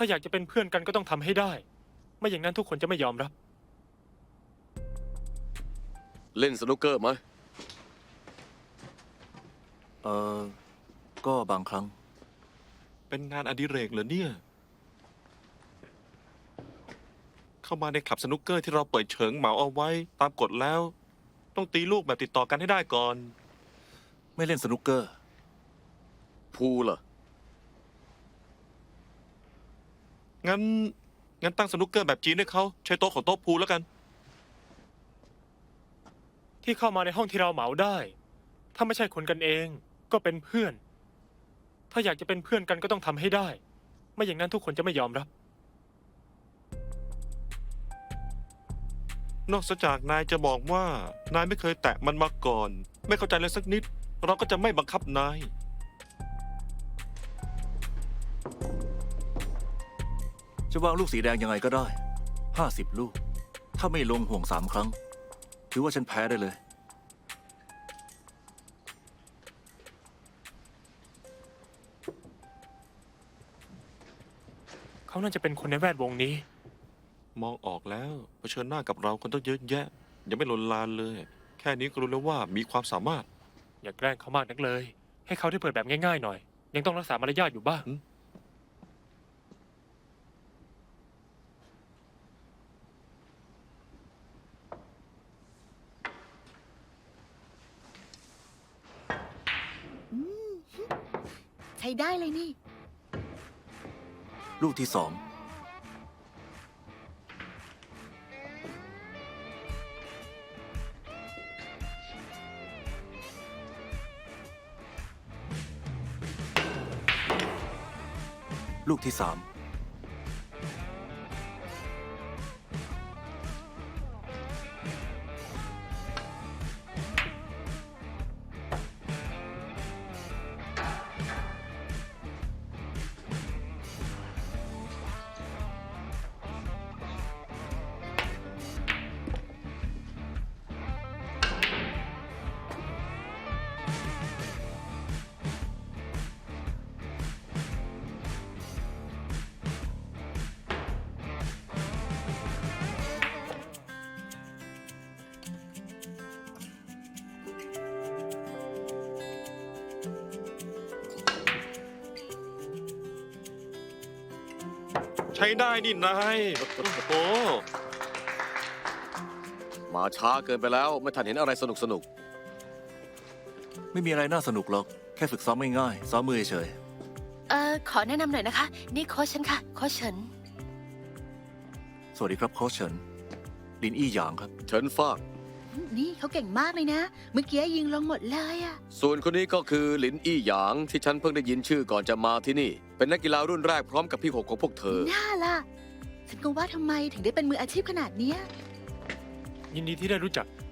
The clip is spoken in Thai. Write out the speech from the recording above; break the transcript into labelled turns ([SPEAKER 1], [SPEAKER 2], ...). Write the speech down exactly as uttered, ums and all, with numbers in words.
[SPEAKER 1] อยากจะเป็นเพื่อนกันก็ต้องทำให้ได้ ไม่อย่างนั้นทุกคนจะไม่ยอมรับ
[SPEAKER 2] เล่นสนุกเกอร์ไหม
[SPEAKER 3] เออก็บางครั้ง
[SPEAKER 4] เป็นงานอดิเรกเหรอเนี่ย เข้ามาในคลับสนุกเกอร์ที่เราเปิดเฉิงเหมาเอาไว้ตามกฎแล้ว ต้องตีลูกแบบติดต่อกันให้ได้ก่อน
[SPEAKER 3] ไม่เล่นสนุกเกอร์
[SPEAKER 2] พูลเหรอ
[SPEAKER 4] งั้น งั้นตั้งสนุกเกอร์แบบจีนให้เขาใช้โต๊ะของโต๊ะพูลแล้วกัน
[SPEAKER 1] ที่เข้ามาในห้องที่เราเหมาได้ ถ้าไม่ใช่คนกันเองก็เป็นเพื่อน ถ้าอยากจะเป็นเพื่อนกันก็ต้องทำให้ได้ ไม่อย่างนั้นทุกคนจะไม่ยอมรับ
[SPEAKER 4] นอกจากนายจะบอกว่านายไม่เคยแตะมันมาก่อน ไม่เข้าใจเลยสักนิด เราก็จะไม่บังคับนาย
[SPEAKER 3] จะวางลูกสีแดงยังไงก็ได้ ห้าสิบลูก ถ้าไม่ลงห่วงสามครั้ง ถือว่าฉันแพ้ได้เลย
[SPEAKER 1] เขาน่าจะเป็นคนในแวดวงนี้
[SPEAKER 4] มองออกแล้วเผชิญหน้ากับเราคนต้องเยอะแยะ ยังไม่ลนลานเลย แค่นี้ก็รู้แล้วว่ามีความสามารถ
[SPEAKER 1] อย่าแกล้งเขามากนักเลย ให้เขาได้เปิดแบบง่ายๆหน่อย ยังต้องรักษามารยาทอยู่บ้าง
[SPEAKER 5] ใช้ได้เลยนี่
[SPEAKER 3] ลูกที่สอง ลูกที่สาม
[SPEAKER 4] ใช้ได้นี่นายโอ้โห
[SPEAKER 2] มาช้าเกินไปแล้วไม่ทันเห็นอะไรสนุกสนุก
[SPEAKER 3] ไม่มีอะไรน่าสนุกหรอก แค่ฝึกซ้อมง่ายๆซ้อมมือเฉย
[SPEAKER 5] เอ่อ ขอแนะนำหน่อยนะคะ นี่โค้ชฉันค่ะ โค้ชเฉิน
[SPEAKER 3] ๆสวัสดีครับโค้ชเฉิน ลินอี้หยางครับ
[SPEAKER 2] เฉินฟ้าง
[SPEAKER 5] นี่เขาเก่งมากเลยนะ เมื่อกี้ยิงลงหมดเลยอะ
[SPEAKER 2] ส่วนคนนี้ก็คือหลินอี้หยางที่ฉันเพิ่งได้ยินชื่อก่อนจะมาที่นี่ เป็นนักกีฬารุ่นแรกพร้อมกับพี่หกของพวกเธอ
[SPEAKER 5] น่าล่ะ ฉันก็ว่าทำไมถึงได้เป็นมืออาชีพขนาดเนี้ย
[SPEAKER 1] ยินดีที่ได้รู้จัก